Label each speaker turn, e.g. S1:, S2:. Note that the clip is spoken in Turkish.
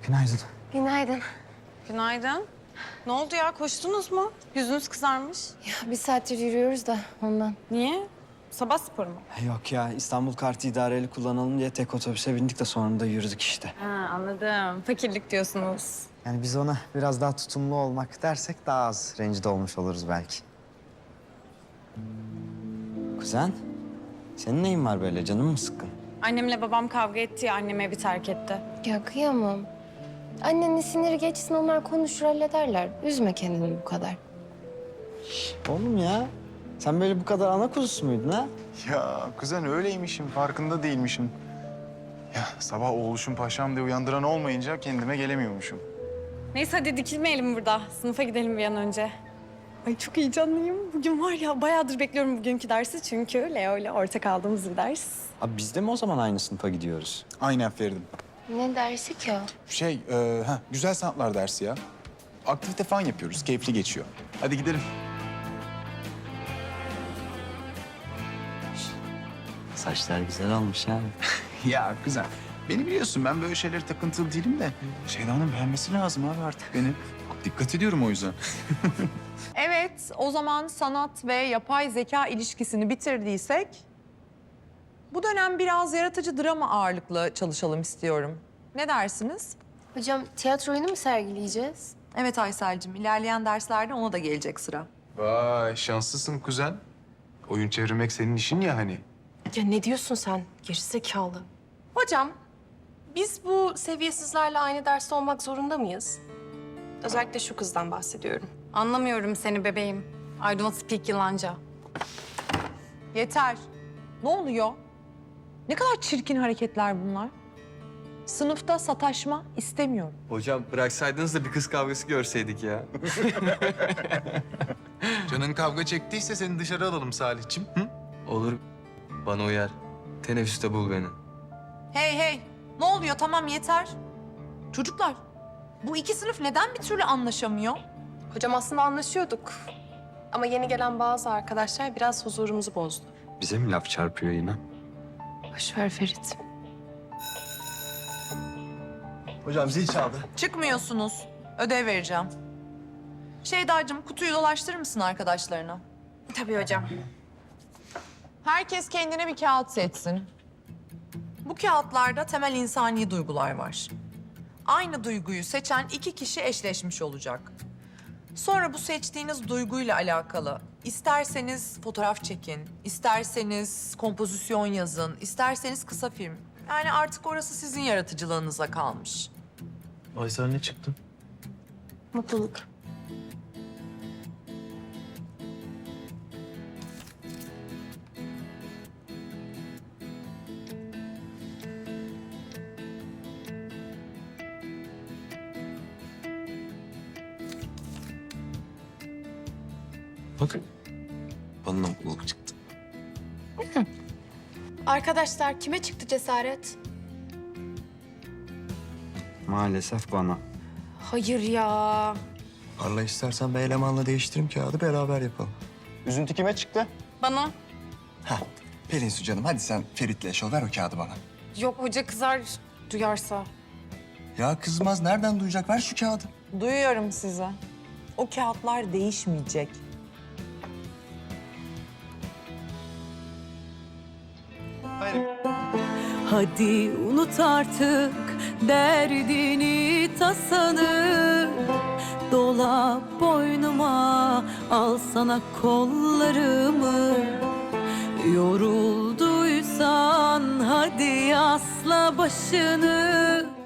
S1: Günaydın.
S2: Günaydın.
S3: Günaydın. Ne oldu ya? Koştunuz mu? Yüzünüz kızarmış.
S2: Ya bir saattir yürüyoruz da ondan.
S3: Niye? Sabah sporu mu?
S1: Yok ya, İstanbul kartı idareli kullanalım diye tek otobüse bindik de sonra da yürüdük işte.
S3: Ha, anladım. Fakirlik diyorsunuz.
S1: Yani biz ona biraz daha tutumlu olmak dersek daha az rencide olmuş oluruz belki. Kuzen, senin neyin var böyle? Canın mı sıkkın?
S3: Annemle babam kavga etti ya, annem evi terk etti.
S2: Ya kıyamam. Annenin siniri geçsin, onlar konuşur hallederler. Üzme kendini bu kadar.
S1: Oğlum ya, sen böyle bu kadar ana kuzusu muydun ha?
S4: Ya kuzen öyleymişim, farkında değilmişim. Ya sabah oğluşum paşam diye uyandıran olmayınca kendime gelemiyormuşum.
S3: Neyse hadi dikilmeyelim burada. Sınıfa gidelim bir an önce. Ay çok heyecanlıyım. Bugün var ya bayağıdır bekliyorum bugünkü dersi. Çünkü Leo ile ortak aldığımız bir ders.
S1: Abi biz de mi o zaman aynı sınıfa gidiyoruz?
S4: Aynen Feridim.
S2: Ne dersi ki o?
S4: Güzel sanatlar dersi ya. Aktivite falan yapıyoruz, keyifli geçiyor. Hadi gidelim.
S1: Saçlar güzel olmuş ha.
S4: Ya kuzen, beni biliyorsun ben böyle şeylere takıntılı değilim de... Şeyda'nın beğenmesi lazım abi artık beni. Dikkat ediyorum o yüzden.
S5: Evet, o zaman sanat ve yapay zeka ilişkisini bitirdiysek... bu dönem biraz yaratıcı drama ağırlıklı çalışalım istiyorum. Ne dersiniz?
S2: Hocam tiyatro oyunu mu sergileyeceğiz?
S5: Evet Aysel'cim, ilerleyen derslerde ona da gelecek sıra.
S6: Vay şanslısın kuzen. Oyun çevirmek senin işin ya hani.
S7: Ya ne diyorsun sen? Gerizekalı. Hocam, biz bu seviyesizlerle aynı derste olmak zorunda mıyız? Özellikle şu kızdan bahsediyorum.
S3: Anlamıyorum seni bebeğim. I don't speak yılanca.
S5: Yeter. Ne oluyor? Ne kadar çirkin hareketler bunlar. Sınıfta sataşma istemiyorum.
S8: Hocam bıraksaydınız da bir kız kavgası görseydik ya.
S6: Canın kavga çektiyse seni dışarı alalım Salihçim. Hı?
S8: Olur. Bana uyar. Teneffüste bul beni.
S5: Hey hey, ne oluyor? Tamam yeter. Çocuklar, bu iki sınıf neden bir türlü anlaşamıyor?
S7: Hocam aslında anlaşıyorduk. Ama yeni gelen bazı arkadaşlar biraz huzurumuzu bozdu.
S1: Bize mi laf çarpıyor yine?
S2: Boş ver Ferit.
S8: Hocam zil çaldı.
S5: Çıkmıyorsunuz. Ödev vereceğim. Şeydacığım, kutuyu dolaştırır mısın arkadaşlarına?
S3: Tabii hocam.
S5: Herkes kendine bir kağıt seçsin. Bu kağıtlarda temel insani duygular var. Aynı duyguyu seçen iki kişi eşleşmiş olacak. Sonra bu seçtiğiniz duyguyla alakalı isterseniz fotoğraf çekin, isterseniz kompozisyon yazın, isterseniz kısa film. Yani artık orası sizin yaratıcılığınıza kalmış.
S8: Aysel ne çıktı?
S2: Mutluluk.
S8: Bakın. Bana da mutluluk çıktı.
S7: Arkadaşlar kime çıktı cesaret?
S1: Maalesef bana.
S7: Hayır ya.
S8: Parla istersen ben elemanla değiştireyim kağıdı beraber yapalım.
S4: Üzüntü kime çıktı?
S3: Bana.
S4: Ha, Pelin Su canım hadi sen Ferit'le eş ol, ver o kağıdı bana.
S3: Yok hoca kızar duyarsa.
S4: Ya kızmaz, nereden duyacak? Ver şu kağıdı.
S5: Duyuyorum sizi. O kağıtlar değişmeyecek.
S9: Hadi unut artık derdini tasanı. Dola boynuma, al sana kollarımı. Yorulduysan hadi asla başını.